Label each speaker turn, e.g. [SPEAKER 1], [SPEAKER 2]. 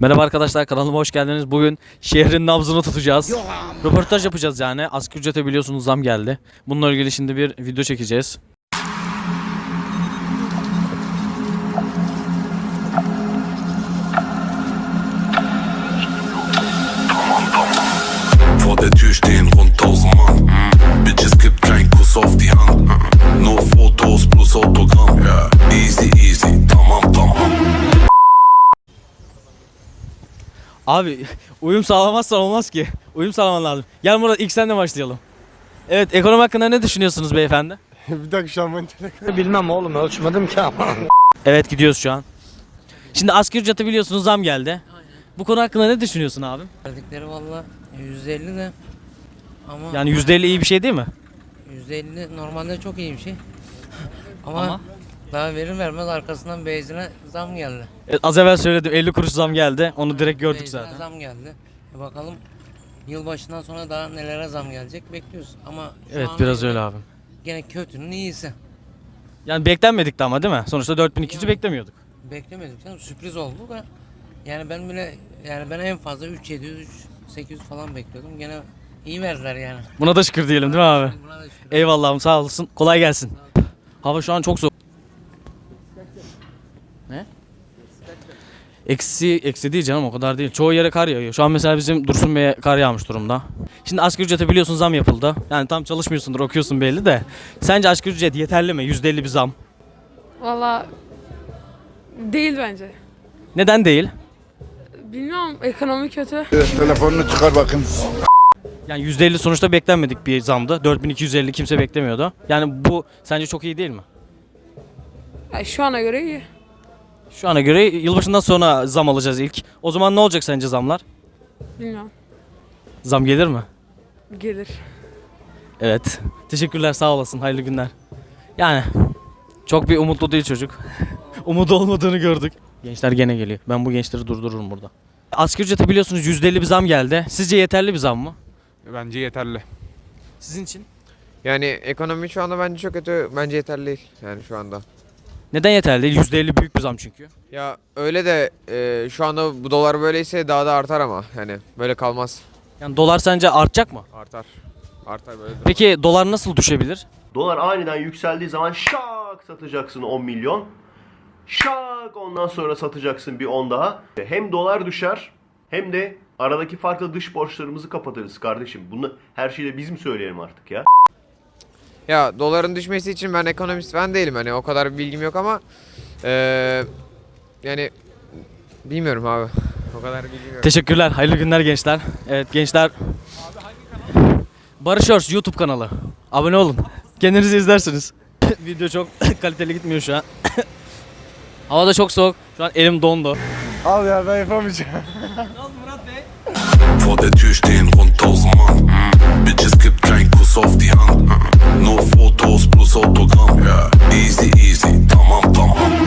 [SPEAKER 1] Merhaba arkadaşlar, kanalıma hoş geldiniz. Bugün şehrin nabzını tutacağız. Röportaj yapacağız yani. Asgari ücrete biliyorsunuz zam geldi. Bununla ilgili şimdi bir video çekeceğiz.
[SPEAKER 2] Vor der Tür stehen rund 1000 Mann. Bitches gibt kein Kuss auf die Hand. Nur Fotos plus Autogramm. Easy easy, tamam.
[SPEAKER 1] Abi uyum sağlamazsan olmaz ki. Uyum sağlaman lazım. Gel Murat, ilk senle başlayalım. Evet, ekonomi hakkında ne düşünüyorsunuz beyefendi?
[SPEAKER 3] Bir dakika şu an ben
[SPEAKER 4] Bilmem oğlum, ölçmedim ki ama.
[SPEAKER 1] Evet, gidiyoruz şu an. Şimdi asgari ücrete biliyorsunuz zam geldi. Bu konu hakkında ne düşünüyorsun abi?
[SPEAKER 5] Verdikleri valla 150 de ama
[SPEAKER 1] Yani %50 iyi bir şey değil mi?
[SPEAKER 5] 150 normalde çok iyi bir şey. Ama daha verir vermez arkasından benzine zam geldi.
[SPEAKER 1] Evet, az evvel söyledim, 50 kuruş zam geldi. Onu direkt gördük
[SPEAKER 5] Benzine
[SPEAKER 1] zaten.
[SPEAKER 5] zam geldi. Bakalım yılbaşından sonra daha nelere zam gelecek bekliyoruz. Ama şu
[SPEAKER 1] Evet,
[SPEAKER 5] ana
[SPEAKER 1] biraz
[SPEAKER 5] göre
[SPEAKER 1] öyle abi.
[SPEAKER 5] Gene kötünün iyisi.
[SPEAKER 1] Yani beklenmedikti ama değil mi? Sonuçta 4200'ü beklemiyorduk.
[SPEAKER 5] Beklemedik canım, sürpriz oldu da. Yani ben en fazla 3700 3800 falan bekliyordum. Gene iyi verdiler yani.
[SPEAKER 1] Buna da şükür diyelim değil mi abi?
[SPEAKER 5] Buna da şükür.
[SPEAKER 1] Eyvallahım, sağ olasın. Kolay gelsin. Hava şu an çok soğuk. Ne? Eksi değil canım, o kadar değil. Çoğu yere kar yağıyor. Şu an mesela bizim Dursun Bey'e kar yağmış durumda. Şimdi asgari ücrete biliyorsun zam yapıldı. Yani tam çalışmıyorsundur, okuyorsun belli de. Sence asgari ücret yeterli mi? %50 bir zam.
[SPEAKER 6] Valla değil bence.
[SPEAKER 1] Neden değil?
[SPEAKER 6] Bilmiyorum, ekonomi kötü.
[SPEAKER 3] telefonunu çıkar bakın.
[SPEAKER 1] Yani %50 sonuçta beklenmedik bir zamdı. 4250 kimse beklemiyordu. Yani bu sence çok iyi değil mi?
[SPEAKER 6] Ay, şu ana göre iyi.
[SPEAKER 1] Şu ana göre yılbaşından sonra zam alacağız ilk. O zaman ne olacak sence zamlar?
[SPEAKER 6] Bilmiyorum.
[SPEAKER 1] Zam gelir mi?
[SPEAKER 6] Gelir.
[SPEAKER 1] Evet. Teşekkürler, sağ olasın. Hayırlı günler. Yani çok bir umutlu değil çocuk. Umudu olmadığını gördük. Gençler gene geliyor. Ben bu gençleri durdururum burada. Asgari ücrete biliyorsunuz %50 bir zam geldi. Sizce yeterli bir zam mı?
[SPEAKER 7] Bence yeterli.
[SPEAKER 1] Sizin için?
[SPEAKER 8] Yani ekonomi şu anda bence çok kötü. Bence yeterli değil yani şu anda.
[SPEAKER 1] Neden yeterli değil? %50 büyük bir zam çünkü.
[SPEAKER 8] Ya öyle de şu anda bu dolar böyleyse daha da artar ama yani böyle kalmaz.
[SPEAKER 1] Yani dolar sence artacak mı?
[SPEAKER 8] Artar. Artar böyle de.
[SPEAKER 1] Peki dolar nasıl düşebilir?
[SPEAKER 9] Dolar aniden yükseldiği zaman şak satacaksın 10 milyon. Şak ondan sonra satacaksın bir 10 daha. Hem dolar düşer hem de aradaki farklı dış borçlarımızı kapatırız kardeşim. Bunu her şeyde biz mi söyleyelim artık ya?
[SPEAKER 8] Ya doların düşmesi için ben ekonomist falan değilim hani o kadar bir bilgim yok ama yani bilmiyorum abi. O kadar bilgim yok.
[SPEAKER 1] Teşekkürler. Hayırlı günler gençler. Evet gençler. Barış Örs YouTube kanalı. Abone olun. Kendinizi izlersiniz. Video çok kaliteli gitmiyor şu an. Hava da çok soğuk. Şu an elim dondu.
[SPEAKER 3] Al ya, ben yapamayacağım.
[SPEAKER 2] Vor der Tür stehen rund 1000 Mann.